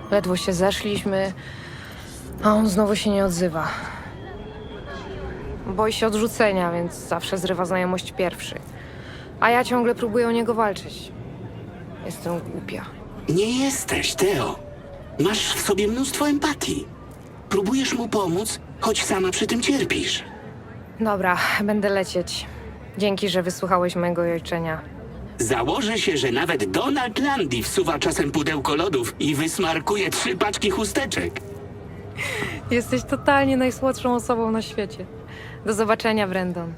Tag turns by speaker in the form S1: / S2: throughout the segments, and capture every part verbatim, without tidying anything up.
S1: Ledwo się zeszliśmy, a on znowu się nie odzywa. Boi się odrzucenia, więc zawsze zrywa znajomość pierwszy. A ja ciągle próbuję o niego walczyć. Jestem głupia.
S2: Nie jesteś, Teo. Masz w sobie mnóstwo empatii. Próbujesz mu pomóc, choć sama przy tym cierpisz.
S1: Dobra, będę lecieć. Dzięki, że wysłuchałeś mojego jojczenia.
S2: Założę się, że nawet Donald Landy wsuwa czasem pudełko lodów i wysmarkuje trzy paczki chusteczek.
S1: Jesteś totalnie najsłodszą osobą na świecie. Do zobaczenia, Brandon.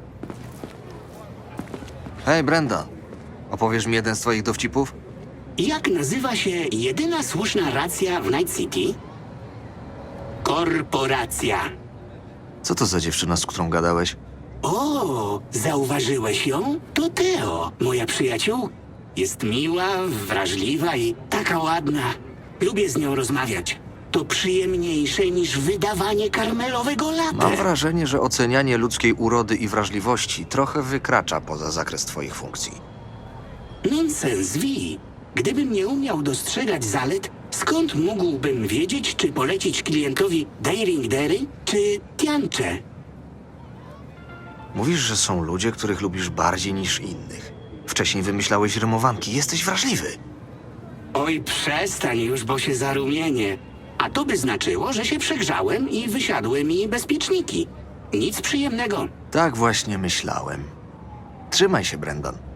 S3: Hej, Brenda. Opowiesz mi jeden z twoich dowcipów?
S2: Jak nazywa się jedyna słuszna racja w Night City? Korporacja.
S3: Co to za dziewczyna, z którą gadałeś?
S2: O, zauważyłeś ją? To Teo, moja przyjaciół. Jest miła, wrażliwa i taka ładna. Lubię z nią rozmawiać. To przyjemniejsze niż wydawanie karmelowego
S3: Mam
S2: latte.
S3: wrażenie, że ocenianie ludzkiej urody i wrażliwości trochę wykracza poza zakres twoich funkcji.
S2: Nonsens, Wi. Gdybym nie umiał dostrzegać zalet, skąd mógłbym wiedzieć, czy polecić klientowi Daring Dairy czy Tiancze?
S3: Mówisz, że są ludzie, których lubisz bardziej niż innych. Wcześniej wymyślałeś rymowanki. Jesteś wrażliwy.
S2: Oj, przestań już, bo się zarumienię. A to by znaczyło, że się przegrzałem i wysiadły mi bezpieczniki. Nic przyjemnego.
S3: Tak właśnie myślałem. Trzymaj się, Brandon.